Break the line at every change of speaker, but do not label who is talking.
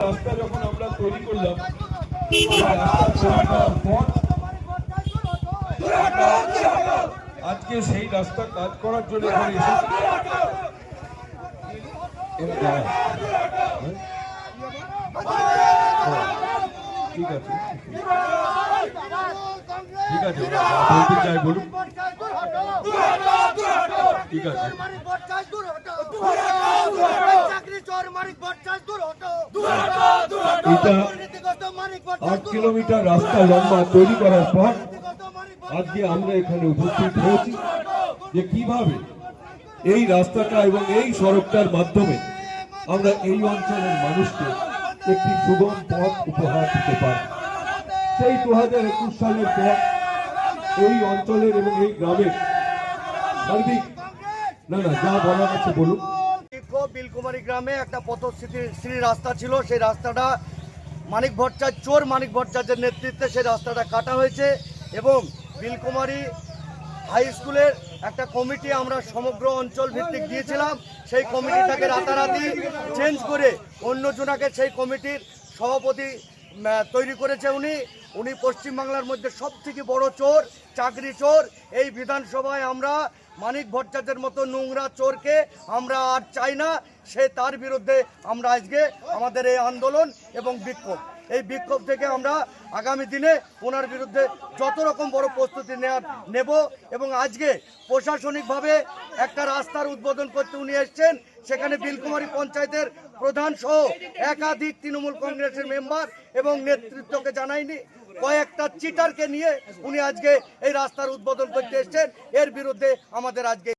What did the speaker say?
রাস্তা যখন আমরা তৈরি করলাম, আজকে সেই রাস্তা কাজ করার জন্য এখানে ঠিক আছে, ঠিক আছে, বলতে চাই বলুন। ঠিক আছে, এটা 8 কিলোমিটার রাস্তা লম্বা তৈরি করার পর আজকে আমরা এখানে উপস্থিত হয়েছি যে কিভাবে এই রাস্তাটা এবং এই সড়কটার মাধ্যমে আমরা এই অঞ্চলের মানুষকে একটি সুগম পথ উপহার দিতে পারি। সেই 2021 সালের পর এই অঞ্চলের এবং এই গ্রামের সার্বিক যা বলার আছে বলুন।
বিলকুমারী গ্রামে একটা পথশ্রী রাস্তা ছিল, সেই রাস্তাটা মানিক ভট্টাচার্যের নেতৃত্বে সেই রাস্তাটা কাটা হয়েছে এবং বিলকুমারী হাই স্কুলের একটা কমিটি আমরা সমগ্র অঞ্চল ভিত্তিক দিয়েছিলাম। সেই কমিটিটাকে রাতারাতি চেঞ্জ করে অন্যজনাকে সেই কমিটির সভাপতি তৈরি করেছে। উনি পশ্চিমবাংলার মধ্যে সবথেকে বড় চোর, চাকরি চোর। এই বিধানসভায় আমরা মানিক ভট্টাচার্যের মতো নোংরা চোরকে আমরা আর চাই না। তার বিরুদ্ধে আমরা আজকে আমাদের এই আন্দোলন এবং বিক্ষোভ, এই বিক্ষোভ থেকে আমরা আগামী দিনে ওনার বিরুদ্ধে যত রকম বড় প্রস্তুতি নেব এবং আজকে প্রশাসনিকভাবে একটা রাস্তার উদ্বোধন করতে উনি এসছেন। সেখানে বিলকুমারী পঞ্চায়েতের প্রধান সহ একাধিক তৃণমূল কংগ্রেসের মেম্বার এবং নেতৃত্বকে জানায়নি, কয়েকটা চিটারকে নিয়ে উনি আজকে এই রাস্তার উদ্বোধন করতে এসছেন। এর বিরুদ্ধে আমাদের আজকে